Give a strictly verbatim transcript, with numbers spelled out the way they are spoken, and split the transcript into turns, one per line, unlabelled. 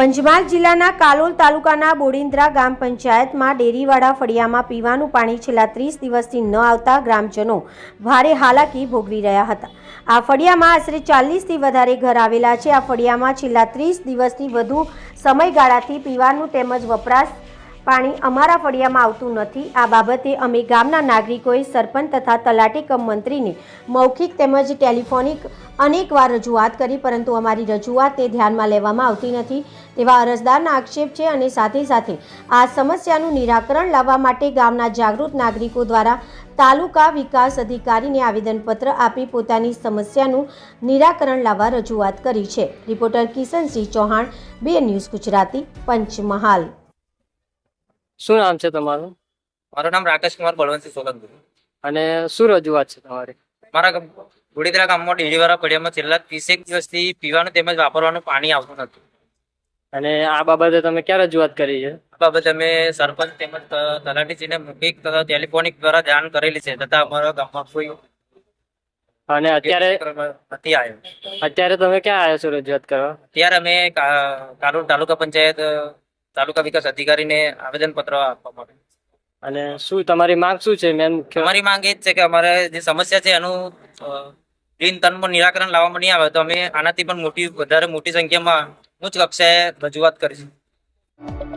પંચમહાલ જિલ્લાના કાલોલ તાલુકાના બોડિન્દ્રા ગામ પંચાયતમાં ડેરીવાડા ફળિયામાં પીવાનું પાણી છેલ્લા ત્રીસ દિવસથી ન આવતા ગ્રામજનો ભારે હાલાકી ભોગવી રહ્યા હતા। આ ફળિયામાં આશરે ચાલીસથી વધારે ઘર આવેલા છે। આ ફળિયામાં છેલ્લા ત્રીસ દિવસથી વધુ સમયગાળાથી પીવાનું તેમજ વપરાશ પાણી અમારા ફળિયામાં આવતું નથી। આ બાબતે અમે ગામના નાગરિકોએ સરપંચ તથા તલાટી કમ મંત્રીને મૌખિક તેમજ ટેલિફોનિક અનેકવાર રજૂઆત કરી, પરંતુ અમારી રજૂઆત તે ધ્યાનમાં લેવામાં આવતી નથી તેવા અરજદારના આક્ષેપ છે। અને સાથે સાથે આ સમસ્યાનું નિરાકરણ લાવવા માટે ગામના જાગૃત નાગરિકો દ્વારા તાલુકા વિકાસ અધિકારીને આવેદનપત્ર આપી પોતાની સમસ્યાનું નિરાકરણ લાવવા રજૂઆત કરી છે। રિપોર્ટર કિશનસિંહ ચૌહાણ, બે ન્યૂઝ ગુજરાતી, પંચમહાલ।
શું નામ છે તમારું?
મારું નામ રાકેશ કુમાર બળવંતસિંહ સોલંકી।
અને શું રજૂઆત છે તમારી?
મારા બોડિન્દ્રા ગામમાં ડેરીવાળા ફળિયામાં છેલ્લા ત્રીસેક દિવસથી પીવાનું તેમજ વાપરવાનું પાણી આવતું નથી।
અને આ બાબતે તમે ક્યાં રજૂઆત કરી છે?
આ બાબતે અમે સરપંચ તેમજ તલાટીશ્રીને મૌખિક તથા ટેલિફોનિક દ્વારા જાણ કરેલી છે, તથા અમારા ગામમાં કોઈ
અને અત્યારે
નથી આવ્યો।
અત્યારે તમે ક્યાં આવ્યા છો રજૂઆત કરવા?
ત્યારે અમે કાલોલ તાલુકા પંચાયત તાલુકા વિકાસ અધિકારીને આવેદનપત્ર આપવા માટે।
અને શું તમારી માંગ શું છે? મેન મુખ્ય
અમારી માંગ એ જ છે કે અમારે જે સમસ્યા છે એનું દિન તનમાં નિરાકરણ લાવવામાં નહીં આવે તો અમે આનાથી પણ મોટી વધારે મોટી સંખ્યામાં ઉચ્ચ કક્ષાએ રજૂઆત કરીશું।